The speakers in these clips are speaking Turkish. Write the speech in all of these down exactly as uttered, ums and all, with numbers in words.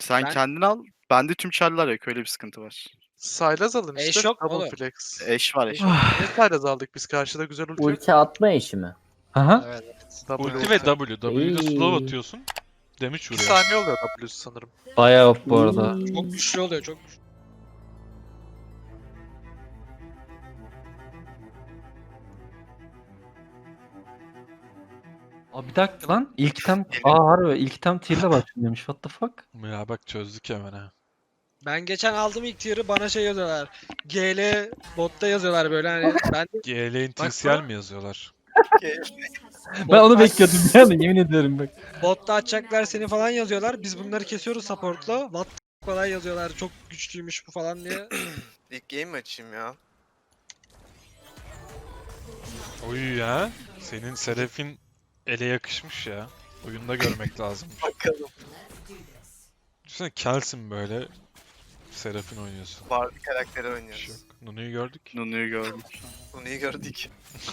Sen Ben- kendin al. Bende tüm çarlar yok. Öyle bir sıkıntı var. Sylas alın Eş işte. yok mu Double oğlum? flex. Eş var eş. Eş yok. Niye Sylas aldık biz? Karşıda güzel ulti yok. Ulti atma işi mi? Aha. Evet evet. Double Ulti ulti. ve W. W'de slow İyi. atıyorsun. Damage iki vuruyor. saniye oluyor W'su sanırım. Bayağı op bu arada. İyi. Çok güçlü oluyor çok güçlü. Aa bir dakika lan. İlk item... Aa harbi ilk item tier'le başlıyormuş. What the fuck? Ya bak çözdük hemen ha. Ben geçen aldım ilk tier'ı bana şey yazıyorlar. G L botta yazıyorlar böyle hani ben de G L N Bak T C L bu- mi yazıyorlar? Ben onu bekliyordum yani yemin ederim bak. botta açacaklar seni falan yazıyorlar. Biz bunları kesiyoruz support'la. What the f- falan yazıyorlar. Çok güçlüymüş bu falan diye. İlk game mi açayım ya? Oy ya. Senin Seraph'in ele yakışmış ya. Oyunda görmek lazım. Bakalım. Düşünsene Kelsin böyle. Seraph'in oynuyorsun. Barbie karakteri Bir şey oynuyoruz. yok. Nunu'yu gördük. Nunu'yu gördüm. Bunu iyi gördük.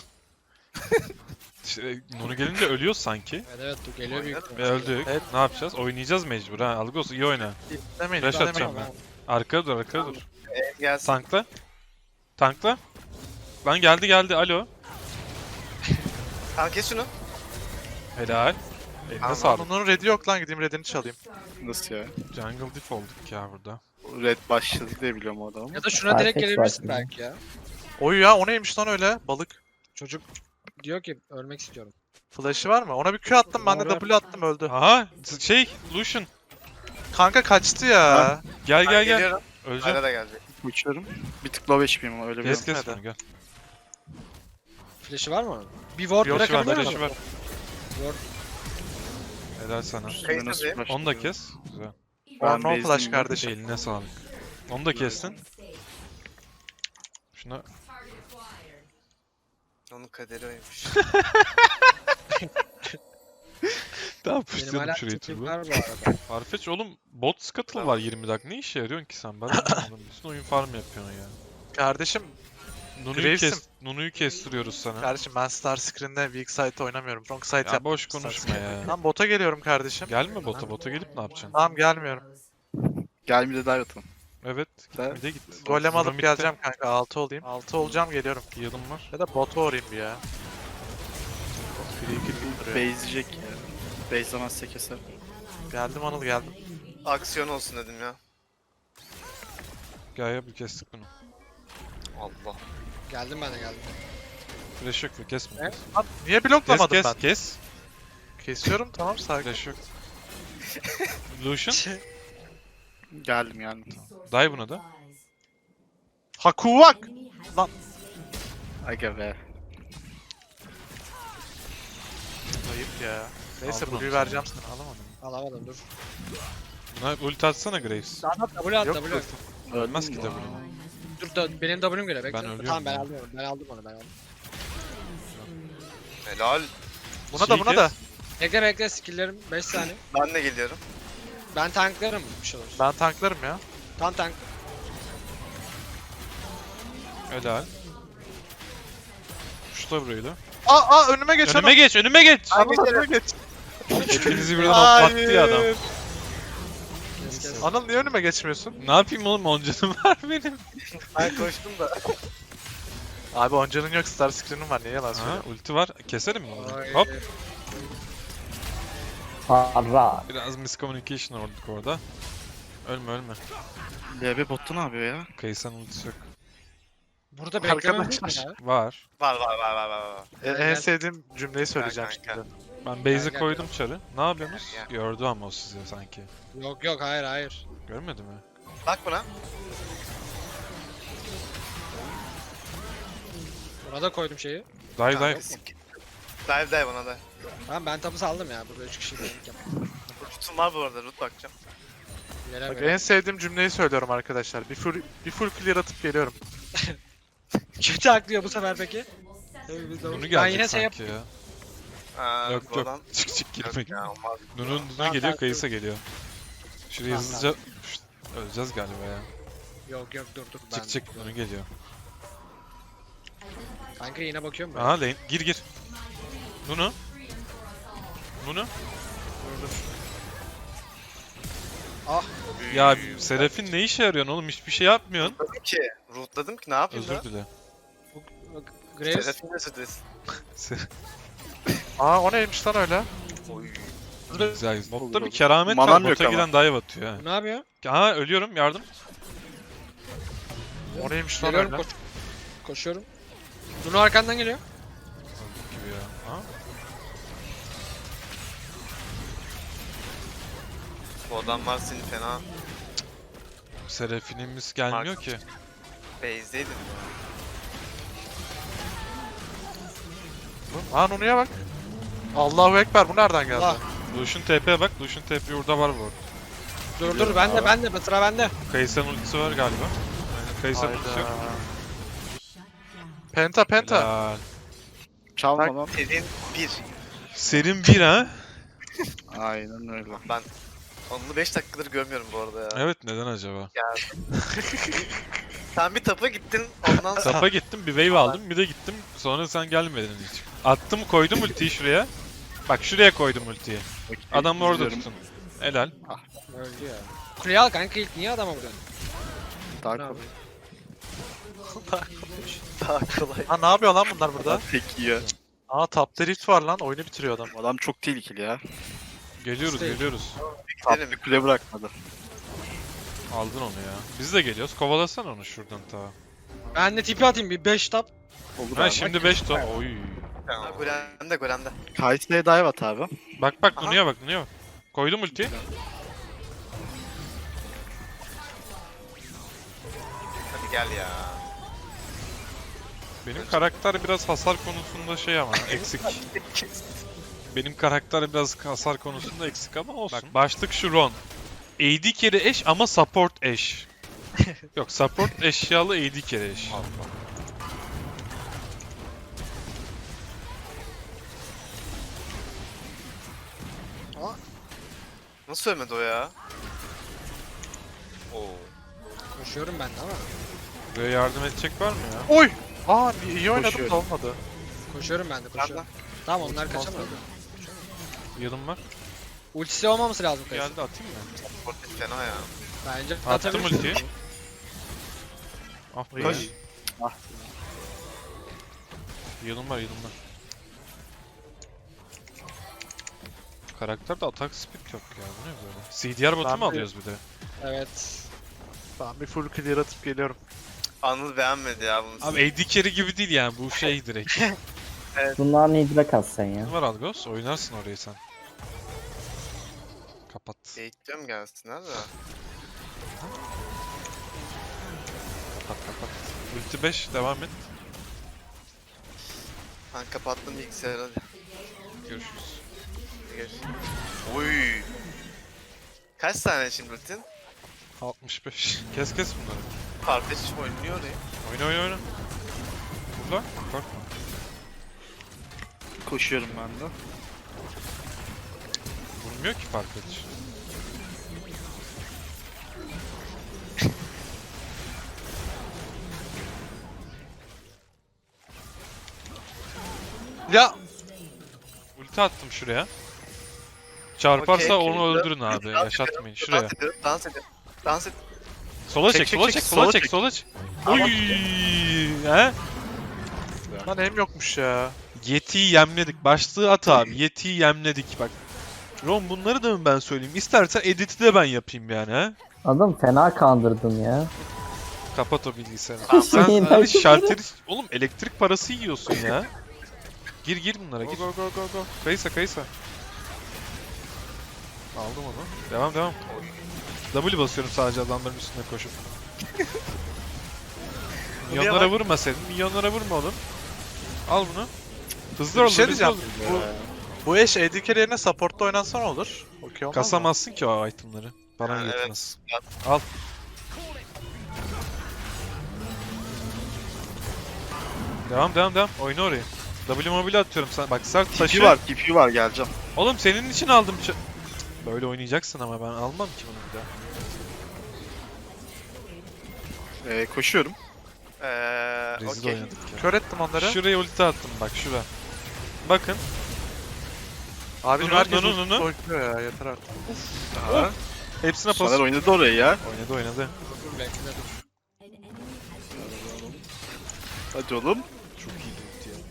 İşte Nunu gelince ölüyoruz sanki. Evet evet bu geliyor büyük Ve ihtimalle. öldük. Evet. Ne yapacağız? Oynayacağız mecbur ha. Algos iyi oyna. Demeyin. Flash demeyin. atacağım ben. Arkaya dur arkaya dur. Ee, gelsin. Tankla. Tankla. Lan geldi geldi. Alo. Tamam kes şunu. Helal. Eline Tamam, sağlık. Onun red'i yok lan, gideyim red'ini çalayım. Nasıl ya? Jungle diff olduk ya burada. Red başladı diye biliyorum o adamı. Ya da şuna direkt Farfetch gelebilirsin var belki ya. Oy ya, o neymiş lan öyle? Balık. Çocuk diyor ki ölmek istiyorum. Flash'ı var mı? Ona bir Q attım, ben de Var, var. W attım, öldü. Aha şey Lucian. Kanka kaçtı ya. Ha. Gel Ben gel gel. geliyorum. Öleceğim. Ayda da gelecek. Uçuyorum. Bir tık low H P'yim ama öyle bir Kes kes Hadi. bunu gel. Flash'ı var mı? Bir ward Flash'ı var, bırakabilir flash'ı mi? var. Ward. Helal sana. Kayıt nasıl yazayım. başladı? Onu da kes. Güzel. Or Ben no base'deyim flash ya. kardeşim. Eline sağlık. Onu da kestin. Şuna Onun kaderi oymuş. daha Benim puşlayalım hala şurayı tipim turbo. var bu arada. Farfetch oğlum bot scuttle var yirmi dakika. Ne işe yarıyorsun ki sen? Ben de anlamadım. Bütün oyun farm yapıyorsun ya. Kardeşim, Nunu'yu Graves'im. kes, Nunu'yu kestiriyoruz sana. kardeşim ben Star Screen'de weak side oynamıyorum. Strong side Ya yaptım. boş Star konuşma Screen. ya. Lan bota geliyorum kardeşim. Gelme bota, bota gelip ne yapacaksın? Tamam gelmiyorum. Gel bir de dive atalım. Evet, Ben- bir de git. Golem alıp Zoom'da geleceğim kanka, altı olayım. altı olacağım, geliyorum. Heal'ım var. Ya da bota uğrayayım bir ya. Free kill duruyor. Base'leyecek ya. Base'lemezse keser. Geldim Anıl, geldim. Aksiyon olsun dedim ya. Gel ya bir kestik bunu. Allah. Geldim ben de geldim. Flash yok mu? Kesme. Ne? Kes Lan niye kes, bloklamadım kes. ben? kes. Kesiyorum, tamam, sakin. Flash yok. Lucian, Geldim geldim. dive buna da. Hakuvak! Aga be. Ayıp ya. Neyse, Aldım Blue'yu onu. vereceğim sana. Alamadım. Alamadım dur. Buna ulti atsana Graves. Daha W at Yok, W. yok. Ölmez ki mi? W. Dur da benim W'm geliyor bekle. Ben ölüyorum Tamam ben ya. aldım onu. Ben aldım onu ben aldım. Helal. Buna da, Şeyi buna da. kes. Bekle bekle skill'lerim beş saniye. Ben de geliyorum. Ben tanklarım bir şey olursa. Ben tanklarım ya. Tam tank. Helal. Şuta burayı da. Aa, aa önüme geç Önüme geç, önüme geç! Anıl, önüme geç. Hepinizi birden hoplattı ya adam. Kes kes. Anıl niye önüme geçmiyorsun? Ne yapayım oğlum, on canım var benim. Ben koştum da. Abi oncanın yok, Star Screen'im var, niye yalan Ha, söylüyorsun? ulti var. Keserim mi onu? Ay. Hop. Para. Biraz miscommunication olduk orada. Ölme ölme. L B botta ne yapıyor ya? Kayısan ultisi yok. Burada beklemem değil mi Arkadaşlar. ya? Var. Var var var var var. var. E, en sevdiğim cümleyi söyleyeceğim Gel kanka. şimdi. Ben base'e gel, koydum çarı. Ne yapıyorsunuz? Gel, Gördü ama o sizi sanki. Yok yok hayır hayır. Görmedi mi? Bak buna. Buna da koydum şeyi. Dive dive. Dive dive ona da. Tamam ben tapu saldım ya. Burada üç kişi dedik ya. Root'um var bu arada. Root bakacağım. Yere Bak böyle. en sevdiğim cümleyi söylüyorum arkadaşlar. Bir full, bir full clear atıp geliyorum. Kötü aklıyor bu sefer peki. Nunu Ben gelecek yine şey yap. sanki ya. Aa, Yok bu yok. adam- Çık çık Yok girme. ya, olmaz. Nunu, Nunu Tamam, geliyor, tamam, Kayısa geliyor. Şuraya Tamam, hızlıca... Şşt, öleceğiz galiba ya. Yok yok dur dur. Ben... Çık çık, Nunu geliyor. Kanka yine bakıyorum ben. Aha lane, gir gir. Nunu. Nunu. Dur dur. Ah. Ya Seraph'in ne işe yarıyorsun oğlum? Hiçbir şey yapmıyorsun. Rootladım ki. Rootladım ki ne yapayım Özür da? dile. Graves. Serafin özür dilesin. Aa o neymiş lan öyle? Oy. Güzel güzel. Botta bir olur. keramet Manam var. yok Bota ama. giden dive atıyor ha. Ne yapıyor? Ha ölüyorum yardım. O neymiş lan Geliyorum öyle? koş. Koşuyorum. Dunu arkandan geliyor. Öldük gibi ya. Ha? Bu adam var seni fena Seraphin'imiz gelmiyor Mark. ki. base'deydin ya. Aa Nunu'ya bak. Allahu Ekber bu nereden geldi? Allah. Lucian T P'ye bak. Lucian T P orada var bu arada. Dur dur ben de ben de sıra bende. Kayısa'nın ultisi var galiba. Aynen Kayısa'nın ultisi yok. Hayda. Penta penta. Helal. Çalma lan. Serin bir. Serin bir ha? Aynen öyle. Ben onu beş dakikadır görmüyorum bu arada ya. Evet neden acaba? Sen bir tapa gittin ondan sonra. Tapa gittim bir wave aldım bir de gittim sonra sen gelmedin hiç. Attım koydum ultiyi şuraya. Bak şuraya koydum ultiyi. Adamı orada İzliyorum. tutun. Helal. Öldü ya. Kuleye al kanka ilk niye adama vuruyorsun? Daha Bravo. kolay. Daha kolay. Ha ne yapıyor lan bunlar burada? Tek iyi. Aa tapta rift var lan oyunu bitiriyor adam. Adam çok tehlikeli ya. Geliyoruz İşte- geliyoruz. Gidelim. Bir kule bırakmadı. Aldın onu ya. Biz de geliyoruz. Kovalasana onu şuradan ta. Ben de tipi atayım bir beş tap. Olur Ha abi. şimdi beş ton. Oy. Ha, Golem'de Golem'de. Kayse'ye dive at abi. Bak bak Aha. Nunu'ya bak Nunu'ya bak. Koydum ultiyi. Hadi gel ya. Benim karakter biraz hasar konusunda şey ama eksik. Benim karakter biraz hasar konusunda eksik ama olsun. Bak başlık şu Ron. A D carry eş ama support eş. Yok support eşyalı A D carry eş. Nasıl ölmedi o ya? Oo. Koşuyorum ben de ama. Buraya yardım edecek var mı ya? Oy! Aa iyi oynadım da Koşuyorum. olmadı. Koşuyorum ben de koşuyorum. Tamam onlar kaçamadı. Yılım var. Ultisi olmaması lazım kayısı. Geldi atayım mı? Portet fena ya. Bence Attım atabilirsin. ultiyi. Ah be. Koş. Ah. Yılım var yılım var. Karakterde atak speed yok ya. Bu ne böyle? C D R bot'u Ben mu bir- alıyoruz bir de? Evet. Ben bir full clear atıp geliyorum. Anıl beğenmedi ya bunu. Abi A D carry gibi değil yani bu şey direkt. Bunlar nidra kas sen ya. Ne var Algos? Oynarsın orayı sen. Kapat. Bekliyorum gelsinler de. Kapat kapat. Ulti beş devam et. Ben kapattım bilgisayarı hadi. Görüşürüz. Görüşürüz. Oy. Kaç tane şimdi rutin? altmış beş. Kes kes bunları. Kardeşim oynuyor ya. Oyna oyna oyna. Burada. Korkma. Koşuyorum ben de. Vurmuyor ki fark ediş. Ya! Ulti attım şuraya. Çarparsa Okey, onu okey. öldürün abi. Dans Yaşatmayın. ediyorum, Şuraya. Dans ediyorum, dans ediyorum. Dans et. Sola çek, Çek, çek, sola çek, çek, sola sola çek, çek. sola çek. Ama- Oy! He? Lan hem yokmuş ya. Yeti'yi yemledik. Başlığı at abi. Yeti'yi yemledik bak. Ron bunları da mı ben söyleyeyim? İstersen editi de ben yapayım yani ha. Adam fena kandırdın ya. Kapat o bilgisayarı. Tamam, Sen ben- abi şalteri... Oğlum elektrik parası yiyorsun ya. Gir gir bunlara Go gir. go go go go. Kaysa kaysa. Aldım onu. Devam devam. W basıyorum sadece adamların üstüne koşup. Milyonlara vurma sen. Milyonlara vurma oğlum. Al bunu. Hızlı ol. Bir şey hızlı diyeceğim. ol. Bu, bu eş A D carry yerine support'ta oynansa ne olur? Okey olmaz mı? Kasamazsın ki o itemları. Bana Ha, yetmez. evet. Al. Devam devam devam. Oyna orayı. W mobile atıyorum sana. Bak sert taşı. Tipi var, tipi var geleceğim. Oğlum senin için aldım. ç- Böyle oynayacaksın ama ben almam ki bunu bir daha. Ee, koşuyorum. Eee Rezil okey. oynadık ya. Kör ettim onları. Şuraya ulti attım bak şura. Bakın. Abicim Nunu, herkes Nunu, ulti Nunu. koyuyor ya yeter artık. Aha. Hepsine pas. Soner oynadı orayı ya. Oynadı oynadı. Dur belki de dur. Hadi oğlum. Çok iyi ulti ya.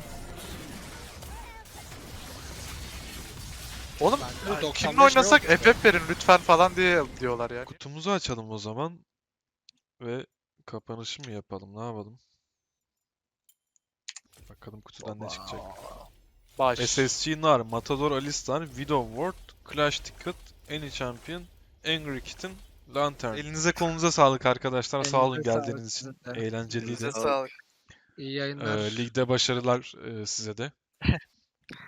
Oğlum Ben de doksan kimle beş oynasak yok. F F verin lütfen falan diye diyorlar ya. Kutumuzu açalım o zaman. Ve kapanışı mı yapalım? Ne yapalım? Bakalım kutudan ne çıkacak. Baş. S S G Nar, Matador Alistar, Widow Ward, Clash Ticket, Any Champion, Angry Kitten, Lantern. Elinize kolunuza sağlık arkadaşlar. Sağ olun Elinize sağlık geldiğiniz için. sizin de. Eğlenceliydi. Size sağlık. İyi yayınlar. Ee, ligde başarılar e, size de.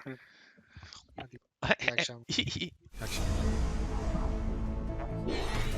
İyi akşamlar. İyi akşamlar.